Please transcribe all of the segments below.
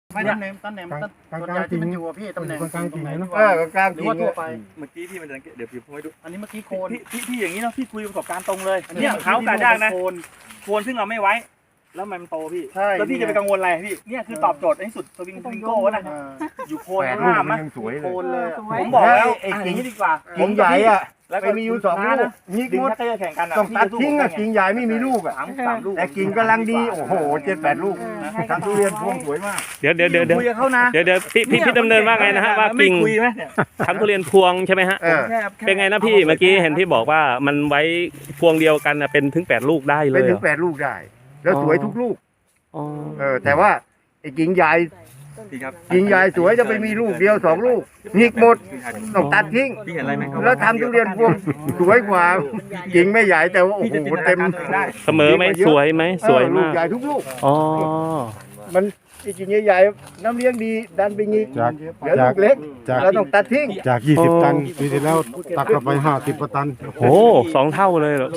ไม่ต้นแหนมต้นใหญ่ที่มันอยู่อะพี่ตำแหน่งตรงไหนกลางหจรืริอง ว่าทั่วไปเมื่อกี้พี่มันเดี๋ยวผมให้ดูอันนี้เมื่อกี้โคนพี่อย่างนี้เนาะพี่คุยประสบการณ์ตรงเลยเนี่ยเขากาดยากนะโคนซึ่งเราไม่ไว้แล้วมันโตพี่แล้วพี่จะไปกังวลอะไรพี่เนี่ยคือตอบโจทย์ที่สุดสวิงโก้นะอยู่โคนห้ามนะโคนเลยผมบอกแล้วไอ้กิ่งนี้ดีกว่ากิ่งใหญ่อ่ะไปมีอยู่2 ลูกยิกดิ่งหมดถ้าจะแข่งกันต้องตัดทิ้งอ่ะกิ่งใหญ่ไม่มีลูกอ่ะสามลูกแต่กิ่งกำลังดีโอ้โห7-8 ลูกทำทุเรียนพวงสวยมากเดี๋ยวคุยกับเขานะพี่ดำเนินว่าไงนะฮะว่ากิ่งคุยไหมทำทุเรียนพวงใช่ไหมฮะเป็นไงนะพี่เมื่อกี้เห็นพี่บอกว่ามันไว้พวงเดียวกันเป็นถึง8 ลูกได้เลเป็นยถึง8 ลูกได้ แล้วสวยทุกลูกอ๋อแต่ว่าไอ้กิ่งใหญ่พี่ครับกิ่งใหญ่สวยจะไปมีลูกเดียว2 ลูกยิกหมดต้องตัดทิ้งพี่เห็นอะไรไหมแล้วทำทุเรียนพวงสวยกว่ากิ่งไม่ใหญ่แต่ว่าโอ้โหเต็มได้เสมอไหมสวยไหมสวยลูมาก กใหญ่ทุกลูกอ๋อมันกิ่งใหญ่ๆน้ำเลี้ยงดีดันไปงี้จากเหลือลูกเล็กจากเราต้องตัดทิ้งจาก20 ตันปีที่แล้วตักเข้าไป50 กว่าตันโอ้2 เท่าเลยเหรอ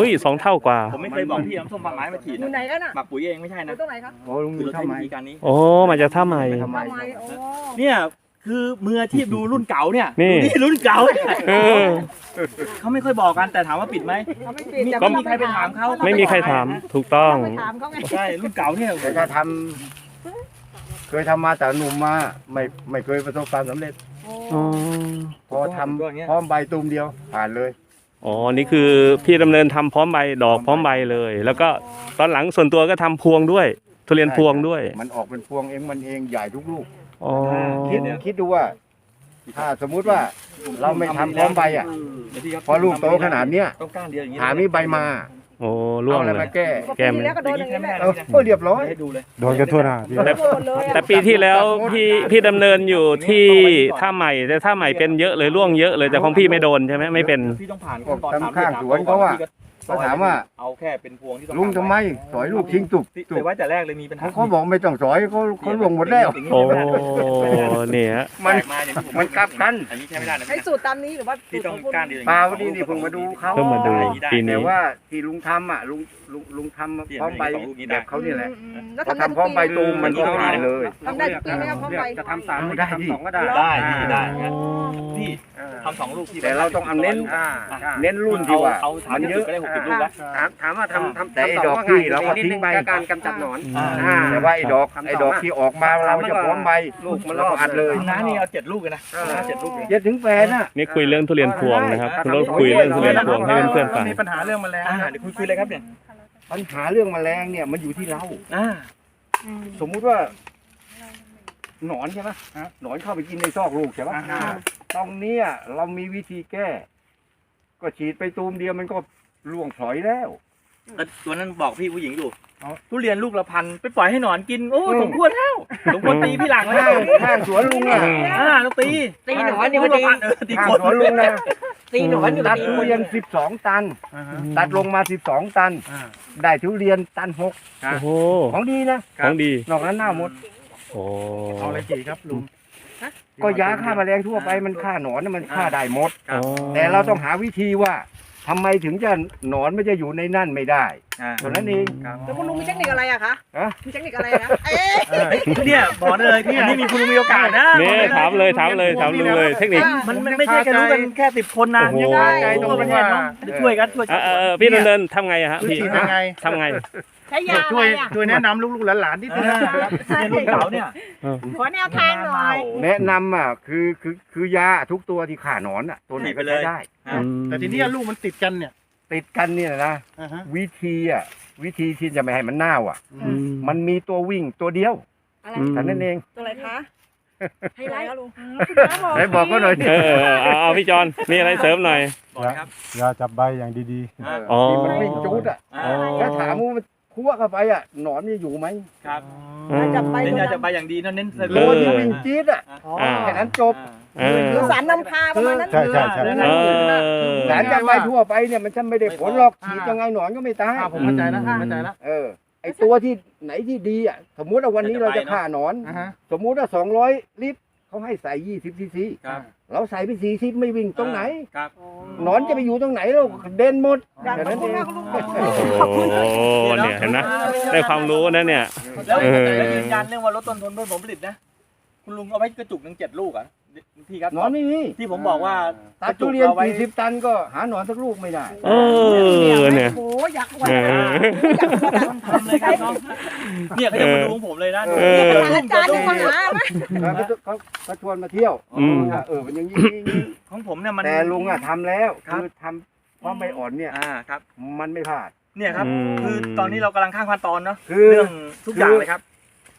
2 เท่ากว่าผมไม่เคยบอกพี่น้ำส้มฝักไม้มาฉีดอยู่ไหนกันอ่ะหมักปุ๋ยเองไม่ใช่อนะยู่ตรงไหนคะโอ้ลุงคือเราทำใช้ไมวิธีการนี้โอ้มาจากท่าใหม่ทำไมทำไมโอ้เนี่ยคือมืออาชีพดูรุ่นเก่าเนี่ยนี่ดูรุ่นเก่าเนี่ยเออเขาไม่ค่อยบอกกันแต่ถามว่าปิดไหมเขาไม่ปิดก็มีใครไปถามเขาไม่มีใครถามถูกต้องไปถามเขาไงใช่รุ่นเก่าเนี่ยแต่ถ้าทำเคยทำมาแต่หนุ่มมาไม่เคยประสบความสำเร็จอ๋อพอทำพร้อมใบตูมเดียวผ่านเลยอ๋อนี่คือพี่ดำเนินทำพร้อมใบดอกพร้อมใบเลย แล้วก็ตอนหลังส่วนตัวก็ทำพวงด้วยทุเรียนพวงด้วยมันออกเป็นพวงเองมันเองใหญ่ทุกลูกอ๋อคิดดูว่า ถ้าสมมุติว่าเราไม่ทำพร้อมใบอ่ะพอลูกโตขนาดเนี้ยต้องก้านเดียวอย่างนี้หามีใบมาโอ้ร่วเอางอะไรเลยมาแก้แก้มปีแล้วก็โดนอย่างนี้แหละก็เรียบร้อยให้ดูเลยโดนกันทั่วหน้าที่แต่โดนเลยแต่ปีที่แล้วพี่ดำเนินอยู่ที่ท่าใหม่แต่ท่าใหม่เป็นเยอะเลยร่วงเยอะเลยแต่ของพี่ไม่โดนใช่ไหมไม่เป็นพี่ต้องผ่านก็ทำข้างสวนเขาว่าเขาถามว่าเอาแค่เป็นพวงที่ต้องลุงทำไมสอยลูกทิ้งตุกติดไว้แต่แรกเลยมีปัญหาเขาบอกไม่ต้องสอยเขาลงหมดแล้วโอ้เนี่ยมันมาอย่างที่ผมมันกลับกันอันนี้ใช้ไม่ได้นะใช้สูตรตามนี้หรือว่าพี่ต้องก้านเดียวเปล่านี่เพิ่งมาดูเขาเพิ่งมาดูปีแต่นี้ว่าที่ลุงทำอ่ะลุงทำพร้อมใบแบบเขานี่แหละแล้วพอทำได้ทำพร้อมใบตูมมันก็ผ่านเลยทำได้ทุกปีไหมครับพร้อมใบจะทำ3 ได้ทำดิ 2ก็ได้ได้ได้พี่ทำ2 ลูกพี่แต่เราต้องเอาเน้นรุ่นที่ว่าเอาถามมันเยเยอะอะก็ได้60 ลูกแล้วถามว่าทำแต่ไอ้ดอกที่เราก็ทิ้งไปการกำจัดหนอนแต่ว่าไอ้ดอกที่ออกมาเราจะพร้อมใบลูกมันเราอัดเลยน้านี่เอา7 ลูกเลยนะ7 ลูกเลยเย็ดถึงแฟนน่ะนี่คุยเรื่องทุเรียนพวงนะครับคุณรถคุยเรื่องทุเรียนพวงให้เพื่อนๆฟังมีปัญหาเรื่องแมลงเดี๋ยวคุยเลยครับเนี่ยปัญหาเรื่องแมลงเนี่ยมันอยู่ที่เรา สมมุติว่า หนอนใช่ไหมหนอนเข้าไปกินในซอกลูกใช่ไหมตรงเนี้ยเรามีวิธีแก้ ก็ฉีดไปตูมเดียวมันก็ล่วงพลอยแล้วตัวนั้นบอกพี่ผู้หญิงอยู่ทุเรียนลูกละพันไปปล่อยให้หนอนกินโอ้สมควรแล้วสมควรตีพี่หลังแล้วข้างสวนลุงอ่ะต้องตีตีหนอนนี่มันตีตีข้างคนสวนลุงนะตีหนอนอยู่ตัดตีทุเรียน12 ตัน ตัดลงมา12 ตัน ได้ทุเรียนตัน 6 โอ้โหของดีนะของดีนอกนั้นหน้าหมดโอ้เอาอะไรฉีดครับลุงก็ยาฆ่าแมลงทั่วไปมันฆ่าหนอนน่ะมันฆ่าได้หมดอ๋อแต่เราต้องหาวิธีว่าทำไมถึงจะหนอนไม่จะอยู่ในนั่นไม่ได้เท่านั้นเองแล้วคุณลุงมีเทคนิคอะไรอะคะฮะมีเทคนิคอะไรนะเอ๊ะเนี่ยบอกเลยพี่นี่มีคุณมีโอกาสนะนี่ถามเลยลุงเลยเทคนิคมันไม่ใช่แค่รู้กันแค่10 คนนะโอ้โหใจต้องประเทศเนาะช่วยกันช่วยพี่ดำเนินทำไงอะฮะพี่ฉีดยังไงทำไงใช้ยาอะช่ไรวยอะช่วยแนะนำลูกๆหลานๆที่ที่เนี่ยรุ่นเก่าเนี่ยขอแนวทางหน่อยแนะนำอ่ะคือยาทุกตัวที่ฆ่าหนอนอ่ะตัวไหนก็ใช้ได้แต่ทีนี้ลูกมันติดกันเนี่ยติดกันเนี่ยนะวิธีที่จะไม่ให้มันเน่าอ่ะ มันมีตัววิ่งตัวเดียวอะไรอืมแค่นั้นเองตัวอะไรคะให้ไรคะลุงไหนบอกก็หน่อยดิเอาพี่จอนมีอะไรเสริมหน่อยยาจับใบอย่างดีอ๋อที่มันวิ่งจูดอ่ะอ๋อแล้วถามว่ามันคั่วเข้าไปอ่ะหนอนมันจะอยู่ไหมครับจับไปเน้นตัวยาจะไปอย่างดีเน้นโลที่วิ่งจี๊ดอ่ะแค่นั้นจบคือสารนำพาประมาณนั้นๆ ใช่ใช่ใช่สารจับใบทั่วไปเนี่ยมันฉันไม่ได้ผลหรอกฉีดยังไงหนอนก็ไม่ตายผมเข้าใจแล้วเข้าใจแล้วไอตัวที่ไหนที่ดีอ่ะสมมุติว่าวันนี้เราจะฆ่าหนอน สมมุติว่า200 ลิตรเขาให้ใส่20 ซีซีเราใส่ไป40ไม่วิ่งตรงไหนครับหนอนจะไปอยู่ตรงไหนเราเด่นหมดอยากแค่ขอนั้บนคุเอณงมากคุณลุงโอ้โหเนี่ยเห็นไหมได้ความรู้นะเนี่ยแล้วเออแล้วยืนยันเรื่องว่าลดต้นทุนเพื่อผลผลิตนะคุณลุงเอาไว้กระจุกหนึ่ง7 ลูกอ่ะพี่ครับหนอนไม่มีที่ผมบอกว่าตัดทุเรียน40 ตันก็หาหนอนสักลูกไม่ได้เออเนี่ยโอ้อยากอวดเออทำเลยครับน้องเนี่ยเขาจะมาดูของผมเลยนะเอออาจารย์ที่มาหาไหมเขาชวนมาเที่ยวอืมมันอย่างนี้ของผมเนี่ยมันแต่ลุงอะทำแล้วครับคือทำความใบอ่อนเนี่ยครับมันไม่พลาดเนี่ยครับอืมคือตอนนี้เรากำลังข้างขั้นตอนเนาะคือเรื่องทุกอย่างเลยครับ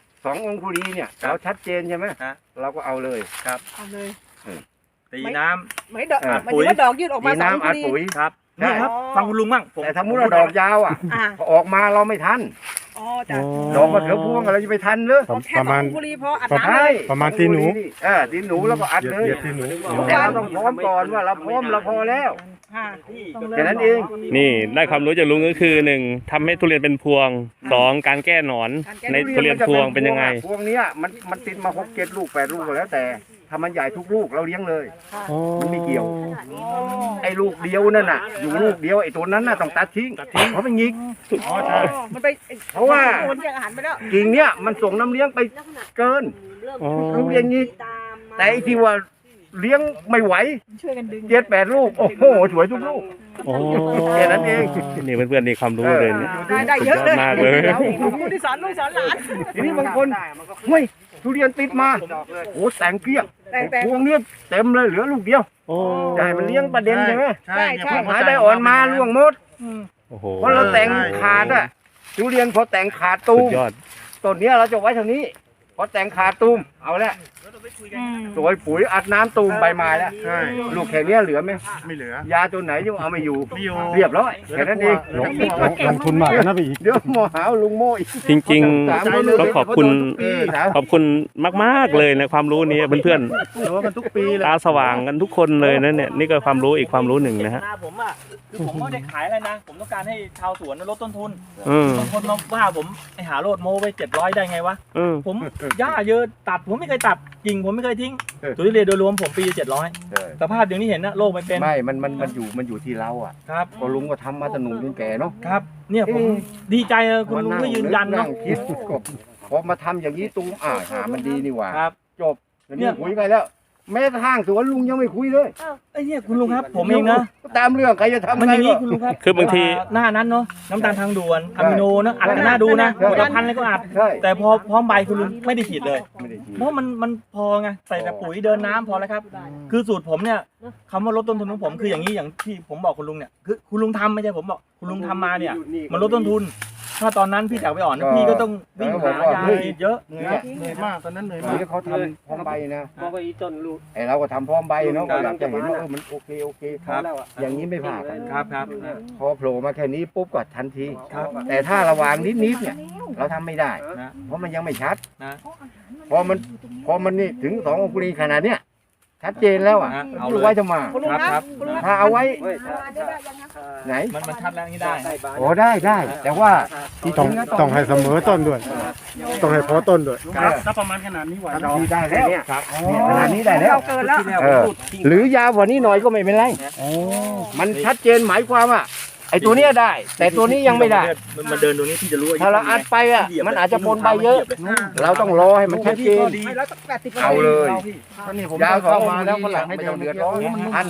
2 องคุรีเนี่ยครับเราชัดเจนใช่ไหมฮะเราก็เอาเลยเอาเลยตีน้ำไม่ดอกปุ๋มันยจะว่าดอกยืดออกมีมาสองน้ำอัดทีปุ๋ยครับใช่นี่ครับฟังคุณลุงบ้างผมแต่ถ้ามุดดอกยาวอ่ะอ่าพอออกมาเราไม่ทันอ๋อจ้ะดอกมะเขือพวงเราจะไปทันเหรือแค่ประมาณ 2 บุรีพออัดน้ำใช่ประมาณตีหนูตีหนูแล้วก็อัดเลยเหยียดตีหนูแต่เราต้องพร้อมก่อนว่าเราพร้อมเราพอแล้วค่ะแค่นั้นเองนี่ได้ความรู้จากลุงก็คือ1ทำให้ทุเรียนเป็นพวง2การแก้หนอนในทุเรียนพวงเป็นยังไงพวงเนี้ยมันติดมา6 7 ลูก 8 ลูกก็แล้วแต่ถ้ามันใหญ่ทุกลูกเราเลี้ยงเลย มันไม่เกี่ยว ไอ้ลูกเดียวนั่นน่ะ อยู่ลูกเดียวไอ้ตัวนั้นน่ะต้องตัดทิ้งเพราะมันหงิกอ๋อมันไปเพราะว่าโอนแยกอาหารไปแล้วกิ่งเนี้ยมันส่งน้ำเลี้ยงไปเกินอ๋อลูกเลี้ยงหงิกแต่ไอ้ที่ว่าเลี้ยงไม่ไหวช่วยกันดึง 7 8 ลูกโอ้โหสวยทุกลูกโอ้แค่นั้นเองนี่เพื่อนๆนี่ความรู้เลยเนี่ยได้เยอะเลยมากเลยขอบคุณที่สอนลูกสอนหลานทีนี้บางคนเฮ้ยทุเรียนติดมาโอ้แต่งเกลี้ยงแต่พวงเนี้ยเต็มเลยเหลือลูกเดียวโอ้จะให้มันเลี้ยงประเด็นใช่ไหมใช่เนี่ยผมหายได้อ่อนมาล่วงหมดโอ้โหเพราะเราแต่งขาดอะทุเรียนพอแต่งขาดตูสุมดยอดต้นเนี้ยเราจะไว้เท่านี้พอแต่งขาดตูมเอาละสวยปุ๋ยอัดน้ำตูมใบไม้แล้วใช่ลูกแค่เนี้ยเหลือไหมไม่เหลือยาตัวไหนยังเอาไม่อยู่ไม่อยู่เรียบร้อยแค่นั้นเองลงทุนมากนะพี่อีกเดี๋ยวหมอหาลุงโม่อีกจริงสามๆคนต้องขอบคุณทุกปีนะขอบคุณมากๆเลยในความรู้นี้เพื่อนโดนกันทุกปีเลยๆตาสว่างกันทุกคนเลยนะเนี่ยนี่ก็ความรู้อีกความรู้หนึ่งนะฮะนาผมอ่ะคือผมไม่ได้ขายอะไรนะ ผมต้องการให้ชาวสวนลดต้นทุนอืมบางคนมาว่าผมไอหาโลดโมไป700ได้ไงวะอืมผมหญ้าเยอะตัดผมไม่เคยตัดกิ่งผมไม่เคยทิ้งทุเรียนโดยรวมผมปี700สภาพอย่างที่เห็นนะโรคไม่เป็นไม่มันอยู่ที่เราอ่ะครับก็ลุงก็ทำมาตั้งหนุ่มจนแก่เนาะครับ เนี่ยผมดีใจเลยคุณลุงก็ยืนยันเนาะคิดก็พอมาทำอย่างนี้ตูมหามันดีนี่หว่าครับจบเนี่ยคุยไปแล้ว แม้กระทั่งสวนลุงยังไม่คุยเลยไอ้เนี่ยคุณลุงครับ ผมเองนะตามเรื่องใครจะทำมันไงอย่างนี้ก็คุณลุงครับคือบางทีหน้านั้นเนาะน้ำตาลทางด่วนอะมิโนเนาะอัดกันหน้าดูนะผลิตภัณฑ์อะไรก็อัดใช่แต่พอพร้อมใบคุณลุงไม่ได้ฉีดเลยไม่ได้คิดเพราะมันพอไงใส่แต่ปุ๋ยเดินน้ำพอแล้วครับ คือสูตรผมเนี่ยคำว่าลดต้นทุนของผมคืออย่างนี้อย่างที่ผมบอกคุณลุงเนี่ยคือคุณลุงทำไม่ใช่ผมบอกคุณลุงทำมาเนี่ยมันลดต้นทุน ถ้าตอนนั้นพี่จากไปอ่อนนะพี่ก็ต้องวิ่งหายาฉีดเยอะเหนื่อยมากตอนนั้นเหนื่อยมากนี่เขาทำพร้อมใบนะไอเราก็ทำพร้อมใบเนาะก็อยากจะเห็นว่ามันโอเคครับอย่างนี้ไม่ผ่านกันครับครับพอโผล่มาแค่นี้ปุ๊บก็ทันทีครับแต่ถ้าระหว่างนิดเนี่ยเราทำไม่ได้นะเพราะมันยังไม่ชัดนะพอมันนี่ถึง2 องคุรีขนาดเนี้ยชัดเจนแล้วอ่ะเอาดูเลยไว้จะมาคุณลุงครับคุณลุงครับถ้าเอาไว้ไหนมันชัดแล้วนี่ได้โอ้ได้แต่ว่าที่ต้องจริงนะต้องให้เสมอต้นด้วย ต้องให้พอต้นด้วยครับถ้าประมาณขนาดนี้ไหวเราที่ได้แล้วเนี่ยขนาดนี้ได้แล้วเกินแล้วหรือยาวกว่านี้หน่อยก็ไม่เป็นไรมันชัดเจนหมายความว่าไอ้ตัวเนี้ยได้ แต่ตัวนี้ยังไม่ได้มันเดินตรงนี้พี่จะรู้ถ้าเราอัดไปอ่ะมันอาจจะปนใบเยอะ เราต้องรอให้มันชัดเจนไม่แล้วต้อง80 เอาเลยตอนนี้ผมยาวเข้าเข้ามามาแล้แล้ว วก็ก็หหลัลังงให้ไม่เดิต้อน งเดืเดืออดดร้ร้ออน น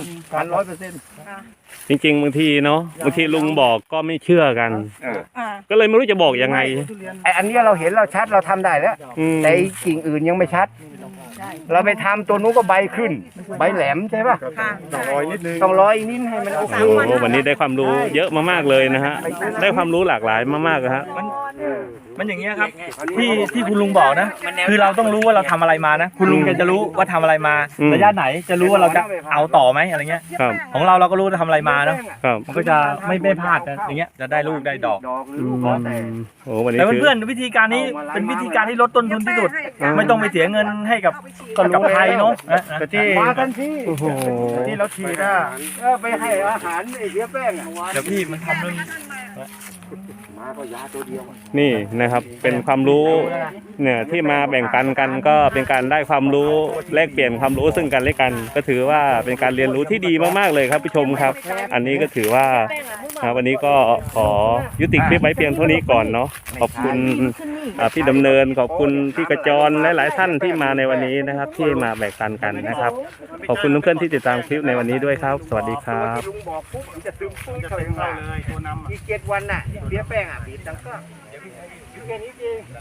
100% จริงๆบางทีเนาะบางทีลุงบอกก็ไม่เชื่อกันอ่าก็เลยไม่รู้จะบอกยังไงไอ้อันเนี้ยเราเห็นเราชัดเราทำได้แล้วอืมแต่ไอ้กิ่งอื่นยังไม่ชัด เราไปทำตัวนู้นก็ใบขึ้น ใบแหลมใช่ป่ะค่ะต้องรอยนิดนึงต้องรออีกนิดให้มันโอเคโอ้วันนี้ได้ความรู้เยอะมากๆเลยนะฮะได้ความรู้หลากหลายมากๆนะฮะมันอย่างเงี้ยครับที่คุณลุงบอกนะ คือเราต้องรู้ว่าเราทำอะไรมานะ คุณลุงแกจะรู้ว่าทำอะไรมาระยะไหนจะรู้ว่าเราจะเอาต่อไหมอะไรเงี้ยครับของเราก็รู้ว่าทำอะไรมาเนาะครับมันก็จะไม่พลาดนะอย่างเงี้ยจะได้ลูกได้ดอกหรือลูกแล้วแต่โอ้วันนี้แต่คือเพื่อนๆวิธีการนี้เป็นวิธีการที่ลดต้นทุนที่สุด ไม่ต้องไปเสียเงินให้กับใครเนาะนะแต่ที่มาทันทีโอ้โหที่เราฉีดอะไปให้อาหารไอ้เหี้ยแป้งอะเดี๋ยวพี่มันทำเรื่องมาก็ยาตัวเดียวนี่นะครับเป็นความรู้เนี่ยที่มาแบ่งปันกันก็เป็นการได้ความรู้แลกเปลี่ยนความรู้ซึ่งกันและกัน ก็ถือว่าเป็นการเรียนรู้ที่ดีมากๆเลยครับผู้ชมครับ อันนี้ก็ถือว่าวันนี้ก็ขอยุติคลิปไว้เพียงเท่านี้ก่อนเนาะขอบคุณพี่ดำเนินขอบคุณพี่กระจรหลายๆท่านที่มาในวันนี้นะครับ ที่มาแบ่งปันกันนะครับ ขอบคุณเพื่อนๆที่ติดตามคลิปในวันนี้ด้วยครับ สวัสดีครับลุงบอกปุ๊บมันจะซึมปุ๊บเข้าไปเลยตัวนำอีก7 วันน่ะเสียแป้งอ่ะบีบดังก็อยู่แค่นี้เอง